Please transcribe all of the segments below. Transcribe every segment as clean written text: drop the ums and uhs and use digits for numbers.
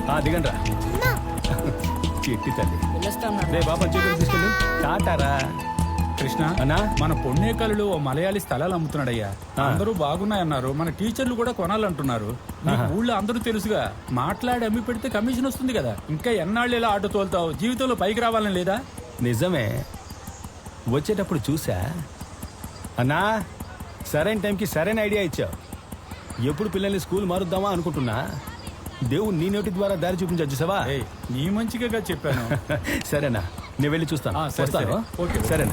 దిగండి రా. చెట్టి తల్లి రే బాబా చెప్పి తీసుకెళ్ళు. టాటారా కృష్ణ అన్నా మన పొన్నేకల్లులో ఓ మలయాళీ స్థలాలు అమ్ముతున్నాడయ్యా. అందరూ బాగున్నాయన్నారు. మన టీచర్లు కూడా కొనాలంటున్నారు. నీకు ఊళ్ళో అందరూ తెలుసుగా. మాట్లాడి అమ్మి పెడితే కమిషన్ వస్తుంది కదా. ఇంకా ఎన్నాళ్ళు ఇలా ఆటో తోలుతావు? జీవితంలో పైకి రావాలని లేదా? నిజమే, వచ్చేటప్పుడు చూసా అన్నా. సరైన టైంకి సరైన ఐడియా ఇచ్చావు. ఎప్పుడు పిల్లల్ని స్కూల్ మారుద్దామా అనుకుంటున్నా. దేవుడు నీ నోటి ద్వారా దారి చూపించచ్చు సవా. నీ మంచిగా చెప్పాను. సరేనా, నేను వెళ్ళి చూస్తాను. వస్తాను. ఓకే సరేనా.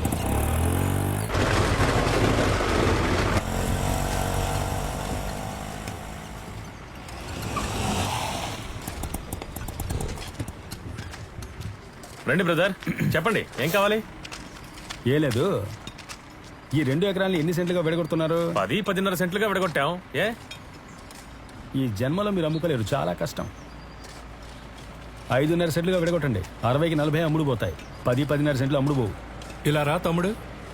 రండి బ్రదర్, చెప్పండి ఏం కావాలి? ఏ లేదు, ఈ 2 ఎకరాలు ఎన్ని సెంట్లుగా విడగొడుతున్నారు? 10-10.5 సెంట్లుగా విడగొట్టాం. ఏ ఈ జన్మలో మీరు అమ్ముకోలేరు, చాలా కష్టం. 5.5 సెంట్లుగా విడగొట్టండి. 60కి 40 అమ్ముడు పోతాయి. 10-10.5 సెంట్లు అమ్ముడు పోవు. ఇలా రా తమ్ముడు.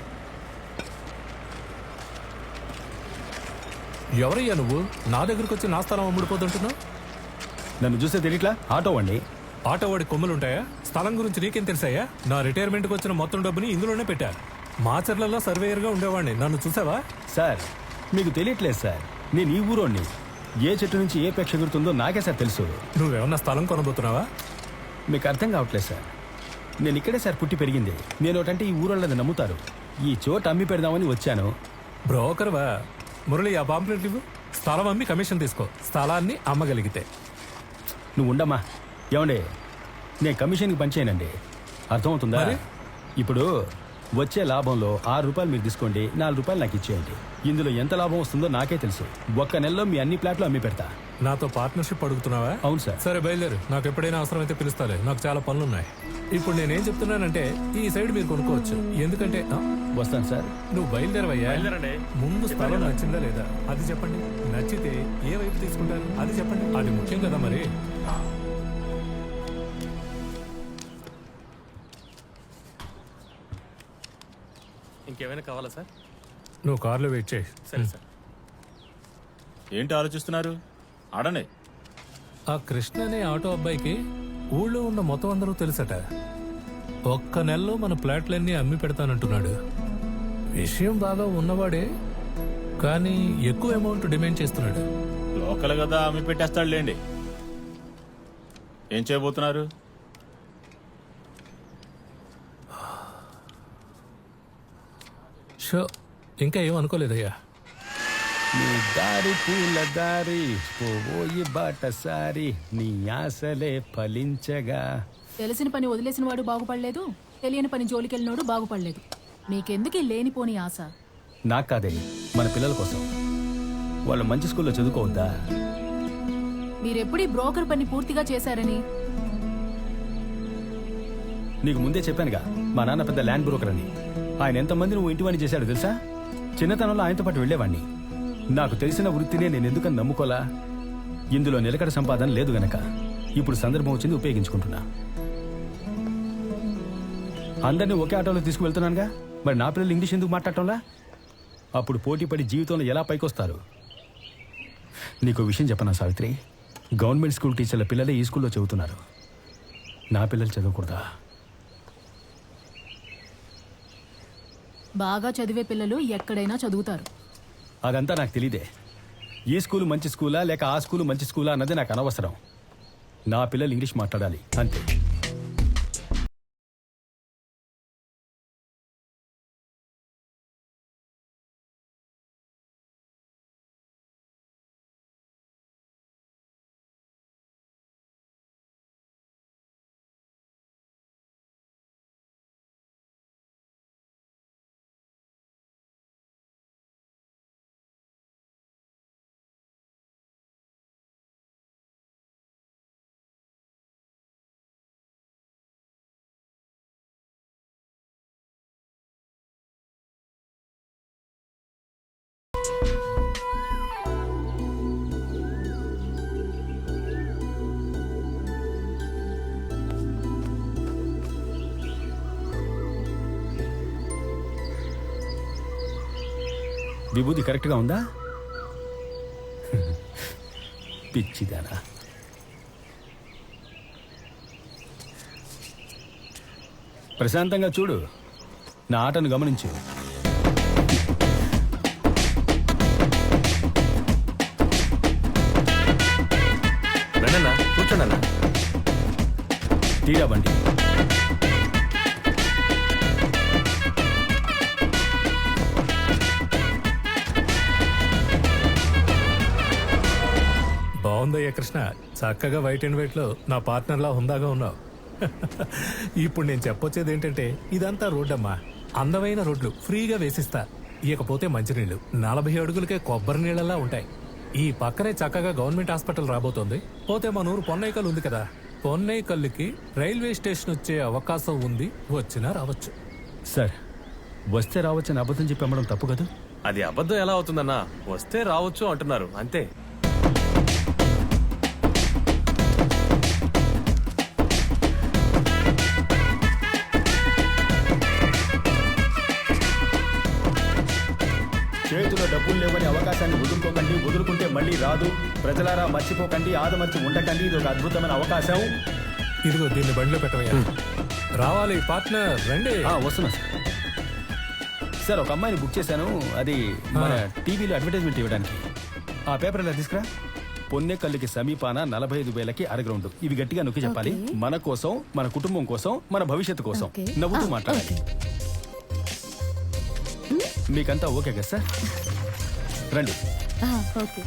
ఎవరయ్యా నువ్వు? నా దగ్గరకు వచ్చి నా స్థలం అమ్ముడుపోతుంటున్నావు. నన్ను చూస్తే తెలియట్లా? ఆటో అండి. ఆటో వాడి కొమ్ములుంటాయా? స్థలం గురించి నీకేం తెలుసాయా? నా రిటైర్మెంట్కి వచ్చిన మొత్తం డబ్బుని ఇందులోనే పెట్టా. మాచర్లలో సర్వేయర్గా ఉండేవాడిని. నన్ను చూసావా? సార్ మీకు తెలియట్లేదు సార్, నేను ఈ ఊరోని. ఏ చెట్టు నుంచి ఏ పెక్ష ఎగురుతుందో నాకే సార్ తెలుసు. నువ్వేమన్నా స్థలం కొనబోతున్నావా? మీకు అర్థం కావట్లేదు సార్, నేను ఇక్కడే సార్ పుట్టి పెరిగింది. నేను ఒకటంటే ఈ ఊరోళ్ళని నమ్ముతారు. ఈ చోట అమ్మి పెడదామని వచ్చాను. బ్రోకర్వా? మురళి, ఆ పాంప్లెట్ ఇవ్వు. స్థలం అమ్మి కమిషన్ తీసుకో, స్థలాన్ని అమ్మగలిగితే. నువ్వు ఉండమ్మా. ఏమండి, నేను కమిషన్కి పనిచేయనండి, అర్థమవుతుందా? ఇప్పుడు వచ్చే లాభంలో 6 రూపాయలు మీరు తీసుకోండి, 4 రూపాయలు నాకు ఇచ్చేయండి. ఇందులో ఎంత లాభం వస్తుందో నాకే తెలుసు. ఒక్క నెలలో మీ అన్ని ప్లాట్లు అమ్మి పెడతా. నాతో పార్ట్నర్షిప్ అడుగుతున్నావా? అవును సార్. సరే బయలుదేరు, నాకు ఎప్పుడైనా అవసరమైతే పిలుస్తాలే. నాకు చాలా పనులున్నాయి. ఇప్పుడు నేనేం చెప్తున్నానంటే ఈ సైడ్ మీరు కొనుక్కోవచ్చు. ఎందుకంటే వస్తాను సార్. నువ్వు బయలుదేరవయ్యా. ముందు స్థలం నచ్చిందా లేదా అది చెప్పండి. నచ్చితే ఏ వైపు తీసుకుంటారు అది చెప్పండి. అది ముఖ్యం కదా మరి. ఇంకేమైనా కావాలా సార్? నువ్వు కార్లో వెయిట్ చేయి. సరే సార్. ఏంటి ఆలోచిస్తున్నారు? ఆడండి. ఆ కృష్ణ అనే ఆటో అబ్బాయికి ఊళ్ళో ఉన్న మొత్తం అందరూ తెలుసట. ఒక్క నెలలో మన ప్లాట్లన్నీ అమ్మి పెడతానంటున్నాడు. విషయం బాగా ఉన్నవాడే, కానీ ఎక్కువ అమౌంట్ డిమాండ్ చేస్తున్నాడు. లోకల్ కదా, అమ్మి పెట్టేస్తాడులేండి. ఏం చేయబోతున్నారు? షో, ఇంకా ఏం అనుకోలేదయ్యా. నీ దారి పూల దారి పోయి బాటసారి నీ ఆశలే ఫలించగా. తెలిసిన పని వదిలేసిన వాడు బాగుపడలేదు, తెలియని పని జోలికెళ్ళినోడు బాగుపడలేదు. మీకెందుకు ఈ లేనిపోని ఆశ? నాకు కాదే, మన పిల్లల కోసం. వాళ్ళు మంచి స్కూల్లో చదువుకోవద్దా? మీరెప్పుడు ఈ బ్రోకర్ పని పూర్తిగా చేశారని? నీకు ముందే చెప్పానుగా, మా నాన్న పెద్ద ల్యాండ్ బ్రోకర్ అని. ఆయన ఎంతమంది నువ్వు ఇంటి వాణ్ణి చేశాడు తెలుసా? చిన్నతనంలో ఆయనతో పాటు వెళ్లేవాణ్ణి. నాకు తెలిసిన వృత్తినే నేను ఎందుకని నమ్ముకోలా? ఇందులో నిలకడ సంపాదన లేదు గనక ఇప్పుడు సందర్భం వచ్చింది, ఉపయోగించుకుంటున్నా. అందరినీ ఒకే ఆటోలో తీసుకువెళ్తున్నానుగా, మరి నా పిల్లలు ఇంగ్లీష్ ఎందుకు మాట్లాడటంలా? అప్పుడు పోటీ పడి జీవితంలో ఎలా పైకొస్తారు? నీకు విషయం చెప్పనా సావిత్రి, గవర్నమెంట్ స్కూల్ టీచర్ల పిల్లలే ఈ స్కూల్లో చదువుతున్నారు. నా పిల్లలు చదవకూడదా? బాగా చదివే పిల్లలు ఎక్కడైనా చదువుతారు. అదంతా నాకు తెలీదే. ఈ స్కూలు మంచి స్కూలా లేక ఆ స్కూలు మంచి స్కూలా అన్నది నాకు అనవసరం. నా పిల్లలు ఇంగ్లీష్ మాట్లాడాలి అంతే. విభూతి కరెక్ట్గా ఉందా? పిచ్చిదానా. ప్రశాంతంగా చూడు, నా ఆటను గమనించు. రండన్నా, కూర్చోండి అన్న. తీరా బండి. బాగుందయ్యా కృష్ణ, చక్కగా వైట్ అండ్ వైట్ లో నా పార్ట్నర్ లా హుందాగా ఉన్నావు. ఇప్పుడు నేను చెప్పొచ్చేది ఏంటంటే, ఇదంతా రోడ్డమ్మా, అందమైన రోడ్లు ఫ్రీగా వేసిస్తా. ఇకపోతే మంచినీళ్లు 40 అడుగులకే కొబ్బరి నీళ్ళలా ఉంటాయి. ఈ పక్కనే చక్కగా గవర్నమెంట్ హాస్పిటల్ రాబోతోంది. పోతే మన ఊరు పొన్నైకల్ ఉంది కదా, పొన్నైకల్లుకి రైల్వే స్టేషన్ వచ్చే అవకాశం ఉంది. వచ్చినా రావచ్చు. సార్, వస్తే రావచ్చని అబద్ధం చెప్పి అమ్మడం తప్పు కదా? అది అబద్ధం ఎలా అవుతుందన్నా? వస్తే రావచ్చు అంటున్నారు అంతే. చేతిలో డబ్బులు లేవని అవకాశాన్ని వదులుకోకండి, వదులుకుంటే మళ్ళీ రాదు. ప్రజలారా మర్చిపోకండి, ఆదమర్చి ఉండకండి. ఇది ఒక అద్భుతమైన అవకాశం. ఇదిగో దీన్ని బండిలో పెట్టవయ్యా. రావాలి పార్ట్నర్, రండి. వస్తున్నా సార్. సార్, ఒక అమ్మాయిని బుక్ చేశాను. అది మన టీవీలో అడ్వర్టైజ్మెంట్ ఇవ్వడానికి. ఆ పేపర్ ఇలా తీసుకురా. పొన్నెకల్లుకి సమీపాన 45,000కి అరగ్రౌండ్. ఇవి గట్టిగా నొక్కి చెప్పాలి. మన కోసం, మన కుటుంబం కోసం, మన భవిష్యత్తు కోసం. నవ్వుతూ మాట్లాడాలి. మీకంతా ఓకే కదా సార్? రండి. ఓకే.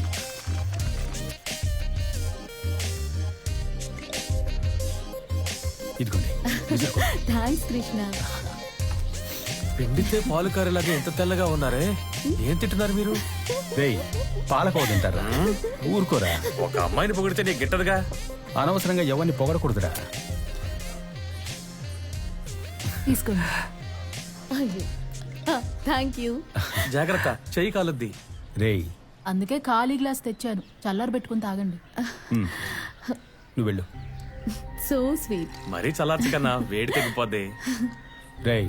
ఇదిగోండి. థ్యాంక్స్ కృష్ణ. పిండితే పాలు కారేలాగా ఎంత తెల్లగా ఉన్నారే, ఏం తింటున్నారు మీరు? రేయ్, పాలకోవ తింటారా? ఊరుకోరా. ఒక అమ్మాయిని పొగిడితే నీకు గిట్టదుగా. అనవసరంగా ఎవరిని పొగడకూడదురా. తీసుకోండి. Thank you. జాగ్రత్త, చెయ్యి కాలుద్ది. రేయ్, అందుకే ఖాళీ గ్లాస్ తెచ్చాను, చల్లారు పెట్టుకుని తాగండి. నువ్వు వెళ్ళు. So sweet. మరీ చల్లార్చు కన్నా, వేడి తగ్గిపోద్ది. రేయ్,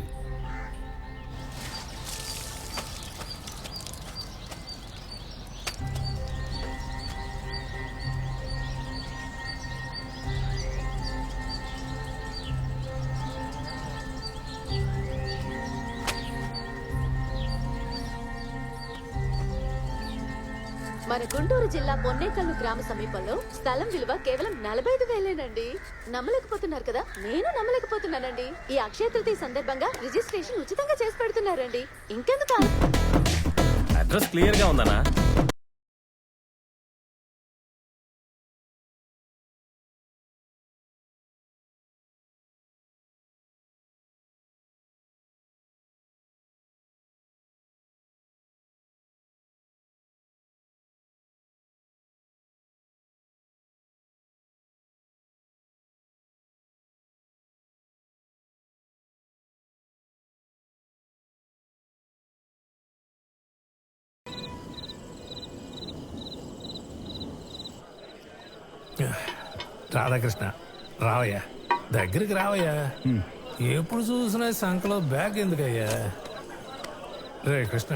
మన గుంటూరు జిల్లా పొన్నేకల్లు గ్రామ సమీపంలో స్థలం విలువ కేవలం 45,000నండి. నమ్మలేకపోతున్నారు కదా? నేను నమ్మలేకపోతున్నానండి. ఈ అక్షయ తృతీయ సందర్భంగా రిజిస్ట్రేషన్ ఉచితంగా చేసి పెడుతున్నారండి. ఇంకెందుకు? అడ్రస్ క్లియర్ గా ఉందన్నా? రాధాకృష్ణ, రావయ్యా, దగ్గరికి రావయ్యా. ఎప్పుడు చూసినా సంకలో బ్యాగ్ ఎందుకయ్యా? రే కృష్ణ,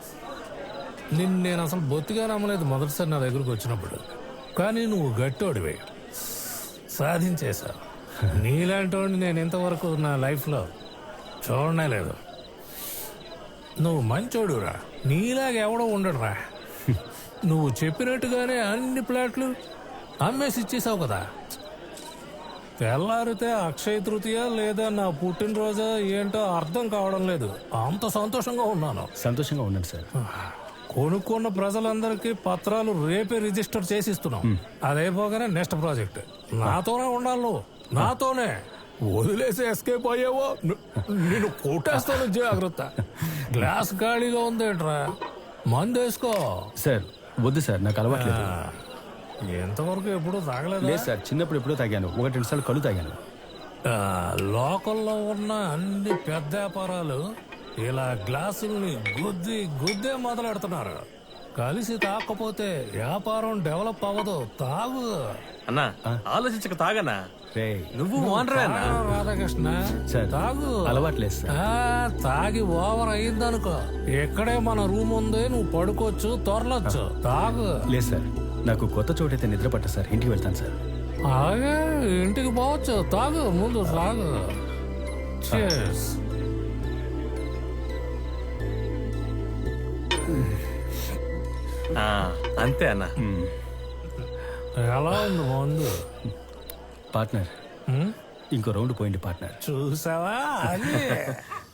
నేను అసలు బొత్తిగా నమ్మలేదు మొదటిసారి నా దగ్గరకు వచ్చినప్పుడు. కానీ నువ్వు గట్టోడివే, సాధించేశావు. నీలాంటి వాడిని నేను ఇంతవరకు నా లైఫ్లో చూడనే లేదు. నువ్వు మంచోడురా, నీలాగా ఎవడో ఉండడురా. నువ్వు చెప్పినట్టుగానే అన్ని ప్లాట్లు అమ్మేసి ఇచ్చేసావు కదా. తెల్లారితే అక్షయ తృతీయ లేదా నా పుట్టినరోజా ఏంటో అర్థం కావడం లేదు. అంత సంతోషంగా ఉన్నాను. సంతోషంగా ఉండండి సార్. కొనుక్కున్న ప్రజలందరికీ పత్రాలు రేపే రిజిస్టర్ చేసిస్తున్నాం. అదైపోగానే నెక్స్ట్ ప్రాజెక్ట్ నాతోనే ఉండాలి. నువ్వు నాతోనే. వదిలేసి ఎస్కేప్ అయ్యావో నేను కొట్టేస్తాను, జాగ్రత్త. గ్లాస్ ఖాళీగా ఉందేంట్రా, మందేసుకో. సార్, వద్దు సార్, నాకు అలవాట్లేదు. ఎంతవరకు ఎప్పుడు తాగలేదు? లేదు సార్, చిన్నప్పుడు ఎప్పుడో తాగాను, 1-2 సార్లు కళ్ళు తాగాను. లోకల్లో ఉన్న అన్ని పెద్ద వ్యాపారాలు ఇలా గ్లాసుల్ని గుద్దే మొదలెడుతున్నారు. కలిసి తాకపోతే వ్యాపారం డెవలప్ అవ్వదు. తాగు అన్నా, ఆలోచించక తాగన్నా. రేయ్, నువ్వు ఓనరే అన్నా. రాధాకృష్ణ, సార్, తాగు. అలవాట్లేదు సార్. తాగి ఓవర్ అయిందనుకో, ఇక్కడే మన రూమ్ ఉంది, నువ్వు పడుకోవచ్చు, తొరలొచ్చు. తాగు. లేదు సార్, నాకు కొత్త చోటైతే నిద్ర పట్ట సార్. ఇంటికి వెళ్తాను సార్. అలాగే ఇంటికి పోవచ్చు. తాగు, ముందు తాగు. Cheers. ఆ, అంతే అన్న. ఎలా ఉంది మందు? పార్ట్నర్ హ్మ్? ఇంకో రౌండ్ పోయింది పార్ట్నర్. చూసావా అది